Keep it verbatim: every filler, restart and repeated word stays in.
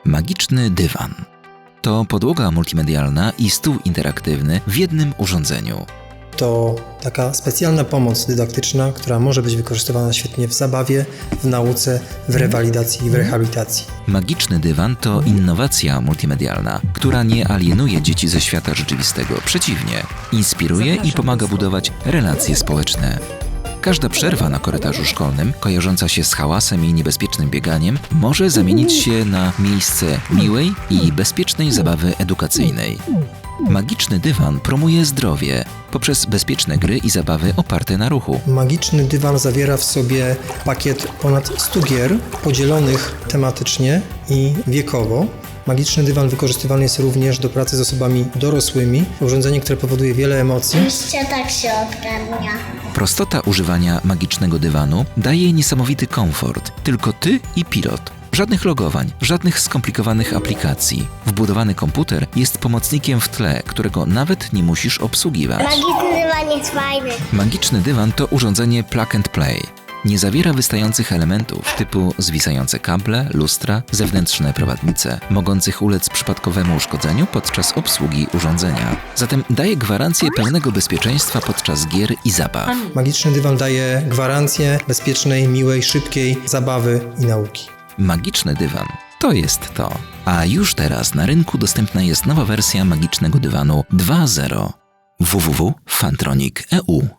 Magiczny dywan. To podłoga multimedialna i stół interaktywny w jednym urządzeniu. To taka specjalna pomoc dydaktyczna, która może być wykorzystywana świetnie w zabawie, w nauce, w rewalidacji i w rehabilitacji. Magiczny dywan to innowacja multimedialna, która nie alienuje dzieci ze świata rzeczywistego. Przeciwnie, inspiruje i pomaga budować relacje społeczne. Każda przerwa na korytarzu szkolnym, kojarząca się z hałasem i niebezpiecznym bieganiem, może zamienić się na miejsce miłej i bezpiecznej zabawy edukacyjnej. Magiczny dywan promuje zdrowie poprzez bezpieczne gry i zabawy oparte na ruchu. Magiczny dywan zawiera w sobie pakiet ponad stu gier podzielonych tematycznie i wiekowo. Magiczny dywan wykorzystywany jest również do pracy z osobami dorosłymi. Urządzenie, które powoduje wiele emocji. Jeszcze tak się odgarnia. Prostota używania magicznego dywanu daje niesamowity komfort. Tylko ty i pilot. Żadnych logowań, żadnych skomplikowanych aplikacji. Wbudowany komputer jest pomocnikiem w tle, którego nawet nie musisz obsługiwać. Magiczny dywan jest fajny. Magiczny dywan to urządzenie plug and play. Nie zawiera wystających elementów typu zwisające kable, lustra, zewnętrzne prowadnice, mogących ulec przypadkowemu uszkodzeniu podczas obsługi urządzenia. Zatem daje gwarancję pełnego bezpieczeństwa podczas gier i zabaw. Magiczny dywan daje gwarancję bezpiecznej, miłej, szybkiej zabawy i nauki. Magiczny dywan to jest to. A już teraz na rynku dostępna jest nowa wersja magicznego dywanu dwa zero. w w w kropka fantronic kropka e u